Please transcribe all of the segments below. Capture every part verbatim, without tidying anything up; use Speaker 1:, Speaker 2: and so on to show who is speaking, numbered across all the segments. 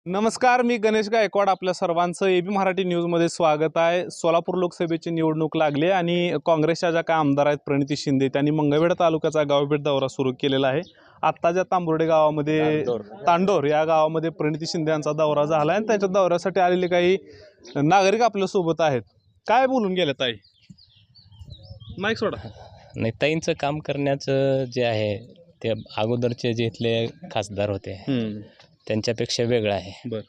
Speaker 1: नमस्कार, मी गणेश गायकवाड. आपल्या सर्वांचं एबी मराठी न्यूजमध्ये स्वागत आहे. सोलापूर लोकसभेची निवडणूक लागली आणि काँग्रेसच्या ज्या काय आमदार आहेत प्रणिती शिंदे त्यांनी मंगळवेढा तालुक्याचा गावभेट दौरा सुरू केलेला आहे. आत्ता ज्या तांबोर्डे गावामध्ये तांडोर या गावामध्ये प्रणिती शिंदे यांचा दौरा झाला आहे आणि त्यांच्या दौऱ्यासाठी आलेले काही नागरिक आपल्यासोबत आहेत. काय बोलून गेले ताई? माईक सोडा.
Speaker 2: नेताईंचं काम करण्याचं जे आहे ते अगोदरचे जे इथले खासदार होते त्यांच्यापेक्षा वेगळं आहे.
Speaker 1: बर,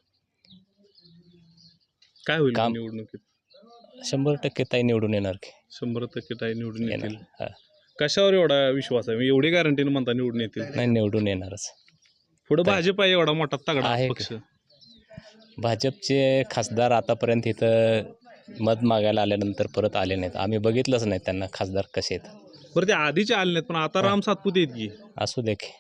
Speaker 1: काय होईल
Speaker 2: काम
Speaker 1: निवडणुकीत?
Speaker 2: शंभर टक्के ताई निवडून येणार की
Speaker 1: शंभर टक्के ताई निवडून
Speaker 2: येणार.
Speaker 1: येतील.
Speaker 2: हा.
Speaker 1: कशावर एवढा विश्वास आहे? एवढी गॅरंटीने म्हणता निवडून येतील?
Speaker 2: नाही, निवडून येणारच.
Speaker 1: पुढे भाजप आहे एवढा मोठा तगडा
Speaker 2: आहे
Speaker 1: पक्ष.
Speaker 2: भाजपचे खासदार आतापर्यंत इथं मत मागायला आल्यानंतर परत आले नाहीत. आम्ही बघितलंच नाही त्यांना खासदार कसे आहेत.
Speaker 1: बरं, ते आधीचे आले नाहीत पण आता राम सातपुते आहेत की.
Speaker 2: असू दे की.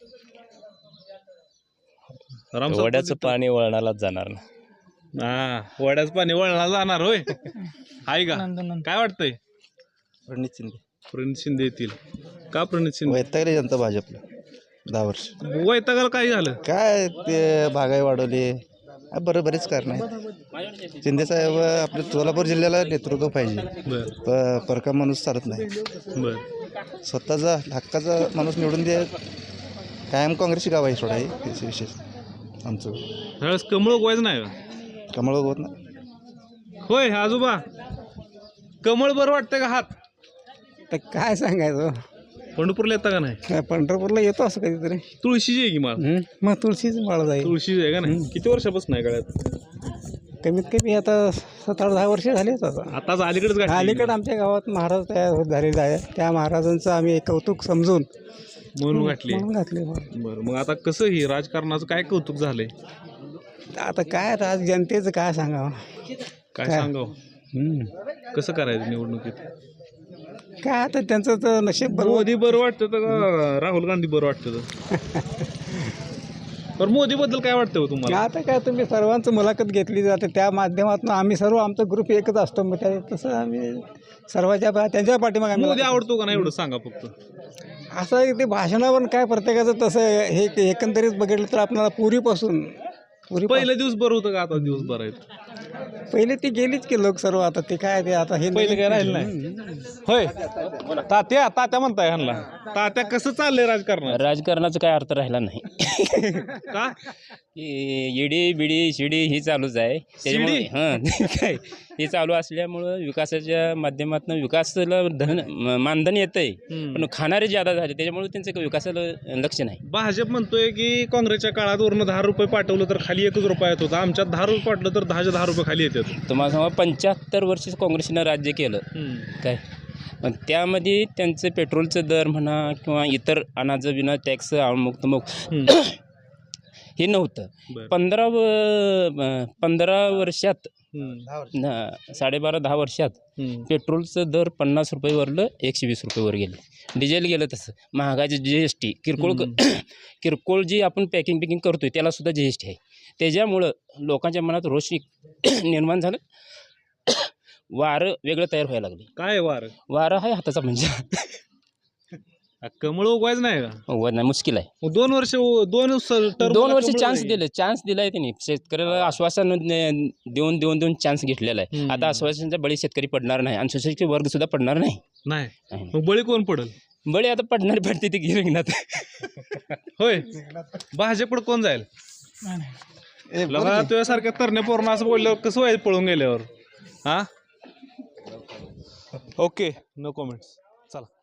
Speaker 1: राम
Speaker 2: वड्याचं
Speaker 1: सातपुते
Speaker 2: पाणी वळणालाच जाणार ना.
Speaker 1: हा, वड्याचं पाणी वळणाला जाणार होय. आहे का? काय वाटतंय?
Speaker 3: प्रणित शिंदे.
Speaker 1: प्रणित शिंदे येतील का? प्रणित शिंदे
Speaker 3: वैतागले जनता भाजपला दहा वर्ष.
Speaker 1: वैतागाला काय झालं?
Speaker 3: काय ते महागाई वाढवली, बरं बरेच कारण आहेत. शिंदे साहेब आपल्या सोलापूर जिल्ह्याला नेतृत्व पाहिजे.
Speaker 1: बर
Speaker 3: प परका माणूस चालत नाही.
Speaker 1: बर
Speaker 3: स्वतःचा हक्काचा माणूस निवडून दे. कायम काँग्रेसची गाव आहे सोडा. हे विशेष विशेष आमचं
Speaker 1: ह्यावेळेस कमळ उगवायचं नाही का?
Speaker 3: कमळ होत ना.
Speaker 1: होय आजोबा, कमळ बरं वाटतंय का? हात
Speaker 4: तर काय सांगायचं,
Speaker 1: पंढरपूरला येता का नाही?
Speaker 4: पंढरपूरला येतो असं कधीतरी.
Speaker 1: तुळशीची आहे की माल?
Speaker 4: मग तुळशीच माळ जाईल.
Speaker 1: तुळशीची आहे का नाही? किती वर्षापासून आहे गळ्यात?
Speaker 4: कमीत कमी आता सात आठ दहा वर्ष झालीच आता.
Speaker 1: आताच अलीकडेच गाठी
Speaker 4: अलीकडे आमच्या गावात महाराज तयार होत झालेला आहे. त्या महाराजांचं आम्ही कौतुक समजून
Speaker 1: म्हणून गाठली.
Speaker 4: म्हणून घातले.
Speaker 1: बरं, मग आता कसं ही राजकारणाचं काय कौतुक झालंय?
Speaker 4: आता काय आज जनतेचं काय सांगावं.
Speaker 1: काय
Speaker 4: काय?
Speaker 1: सांगावं?
Speaker 4: हम्म.
Speaker 1: कसं करायचं निवडणुकीत?
Speaker 4: काय आता त्यांचं तर नशीब बरोबर.
Speaker 1: मोदी बरं वाटतं का राहुल गांधी बरं वाटतं? तर मोदी बद्दल काय वाटतं हो तुम्हाला?
Speaker 4: आता काय तुम्ही सर्वांचं मुलाखत घेतली जाते त्या माध्यमातून आम्ही सर्व आमचा ग्रुप एकच असतो. मग त्या तसं आम्ही सर्वांच्या पा- त्यांच्या पाठीमागे आम्ही
Speaker 1: मोदी आवडतो का नाही एवढं सांगा फक्त.
Speaker 4: असं आहे ते भाषणावर काय प्रत्येकाचं तसं हे एकंदरीत बघितलं तर आपल्याला पूर्वीपासून पूर्वी
Speaker 1: पहिलं दिवस बरं होतं का आता दिवस बरं आहेत?
Speaker 4: पहिले ती गेलीच की लोक सर्व. आता ते काय ते आता हे
Speaker 1: पहिले काय राहिलं नाही. होय तात्या, तात्या म्हणताय ह्यांना. तात्या कसं चाललंय राजकारणात?
Speaker 2: राजकारणाचा काय अर्थ राहिला नाही.
Speaker 1: का?
Speaker 2: इडी बिडी शिडी ही चालूच आहे त्याच्यामुळे. हां काय हे चालू असल्यामुळं विकासाच्या माध्यमातून विकासाला धन म- मानधन येतं आहे, पण खाणारे ज्यादा झाले त्याच्यामुळे त्यांचं विकासाला लक्ष नाही.
Speaker 1: भाजप म्हणतोय की काँग्रेसच्या काळात वरनं दहा रुपये पाठवलं तर खाली एकच रुपया येत होता. आमच्यात दहा रुपये पाठवलं तर दहाच्या दहा रुपये खाली येतात.
Speaker 2: तुम्हाला सांगा, पंच्याहत्तर वर्ष काँग्रेसनं राज्य केलं काय, पण त्यामध्ये त्यांचं पेट्रोलचं दर म्हणा किंवा इतर अनाज बिना टॅक्स मुक्त मुक्त हे नव्हतं.
Speaker 1: बरं.
Speaker 2: पंधरा व पंधरा वर्षात
Speaker 1: हम्म.
Speaker 2: न- साडेबारा दहा वर्षात
Speaker 1: हम्म.
Speaker 2: पेट्रोलचं दर पन्नास रुपयेवरलं एकशे वीस रुपयेवर गेलं. डिझेल गेलं तसं. महागाची जी एस टी किरकोळ किरकोळ जी आपण पॅकिंग पिकिंग करतोय त्यालासुद्धा जी एस टी आहे. त्याच्यामुळं लोकांच्या मनात रोष निर्माण झालं. वारं वेगळं तयार व्हायला लागले.
Speaker 1: काय वार?
Speaker 2: वारं आहे हाताचा म्हणजे
Speaker 1: कमळ उगवायचं नाही का?
Speaker 2: व नाही, मुश्किल आहे.
Speaker 1: मग दोन वर्ष दोन स- term
Speaker 2: दोन
Speaker 1: ला
Speaker 2: वर्ष
Speaker 1: कमळ
Speaker 2: चान्स
Speaker 1: नाही.
Speaker 2: दिले चान्स दिलाय त्यांनी. शेतकऱ्याला आश्वासन न- देऊन देऊन देऊन चान्स घेतलेला आहे.
Speaker 1: हम्म.
Speaker 2: आता आश्वासनाचा बळी शेतकरी पडणार नाही आणि सुशिक्षित वर्ग सुद्धा पडणार नाही.
Speaker 1: नाही.
Speaker 2: नाही.
Speaker 1: मग बळी कोण पडल?
Speaker 2: बळी आता पडणार पडते ती गिरंगणात.
Speaker 1: होय, भाजपकडे कोण जाईल? लगा तुझ्यासारख्या तरण्या पोरणं असं बोलल्यावर कसं व्हायचं पळून गेल्यावर? हा, ओके, नो कॉमेंट्स. चला.